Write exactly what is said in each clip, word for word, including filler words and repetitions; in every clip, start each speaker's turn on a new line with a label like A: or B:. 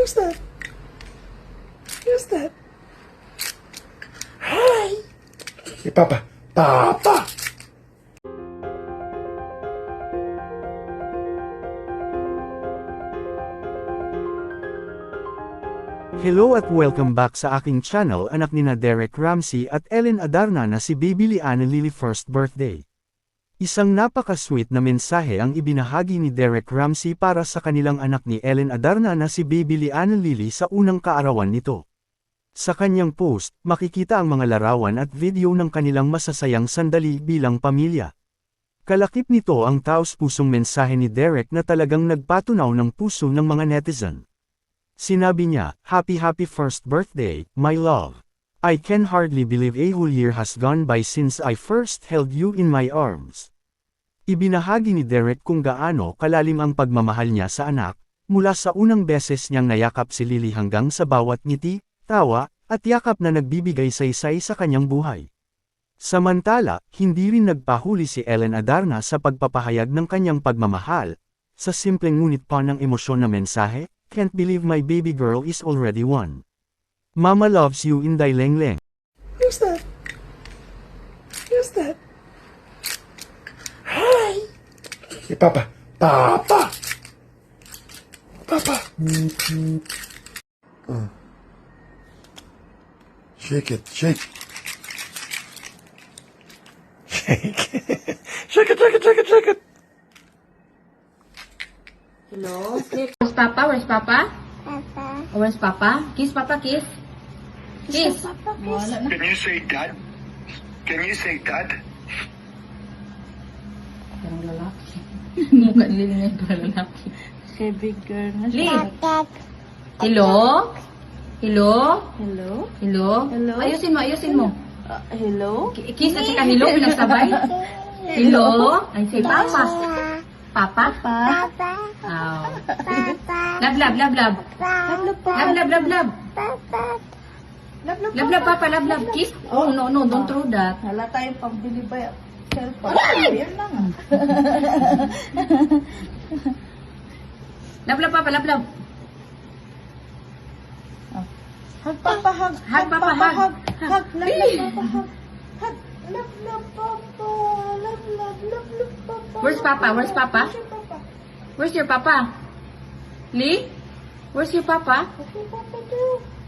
A: Who's that? Who's that? Hi! Hey, Papa. Papa!
B: Hello at welcome back sa aking channel, anak nina Derek Ramsey at Ellen Adarna na si Baby Liana Lily first birthday. Isang napaka-sweet na mensahe ang ibinahagi ni Derek Ramsey para sa kanilang anak ni Ellen Adarna na si Baby Liana Lily sa unang kaarawan nito. Sa kanyang post, makikita ang mga larawan at video ng kanilang masasayang sandali bilang pamilya. Kalakip nito ang taos-pusong mensahe ni Derek na talagang nagpatunaw ng puso ng mga netizen. Sinabi niya, "Happy happy first birthday, my love. I can hardly believe a whole year has gone by since I first held you in my arms." Ibinahagi ni Derek kung gaano kalalim ang pagmamahal niya sa anak, mula sa unang beses niyang nayakap si Lily hanggang sa bawat ngiti, tawa, at yakap na nagbibigay saysay sa kanyang buhay. Samantala, hindi rin nagpahuli si Ellen Adarna sa pagpapahayag ng kanyang pagmamahal. Sa simpleng ngunit pa ng emosyon na mensahe, "Can't believe my baby girl is already one. Mama loves you in Daileng-leng."
A: Who's that? Who's that? Hi! Hey, Papa. Papa! Papa! Uh. Shake it, shake. Shake it. Shake it, shake it, shake it, shake it.
C: Hello? Where's Papa? Where's Papa?
D: Papa.
C: Oh, where's Papa? Kiss Papa, kiss. Kiss.
D: Papa,
C: Wala na.
E: Can you say dad? Can you say dad?
C: Parang lalaki. Mukha nila ngayon parang lalaki.
D: Kay big girl na
C: Lee.
D: Dad.
C: Hello? Hello?
D: Hello?
C: Hello?
D: Hello?
C: Ayusin mo, ayusin mo.
D: Uh, hello?
C: Ki- Kiss at saka hello, pinagsabay. Hello? Ay, say Papa. Papa?
D: Papa.
C: Oh.
D: Papa.
C: Love, love, love, love.
D: Papa.
C: Love, love, love, love.
D: Papa. Love, love,
C: Love, love, Papa, love, love. Kiss. Oh, no, no, don't throw that.
D: Hala tayong pambili ba yung cellphone? Ayan lang ah.
C: Love, love, Papa, love, love.
D: Hug, Papa, hug.
C: Hug, Papa, hug.
D: Hug, hug. Love, love, Papa, hug. Hug. Love, love, Papa. Love, love, love, love, Papa.
C: Where's Papa? Where's Papa?
D: Where's your Papa?
C: Where's your Papa? Lee? Where's your Papa?
D: What's your Papa do?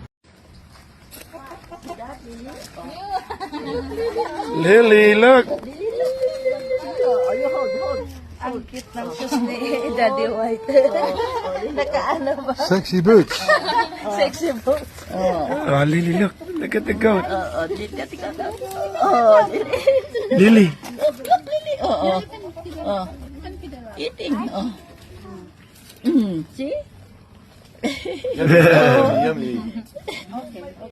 A: Lily, look!
D: Ang cute ng shoes ni Daddy White. Nakaano ba?
A: Sexy boots.
D: Sexy boat.
A: Oh, Lily, look. Look at the goat.
D: Oo, dito tika ka. Oo,
A: Lily.
D: Lily. Oo. Oo. Eating. Oo. Mm, see?
A: Yummy.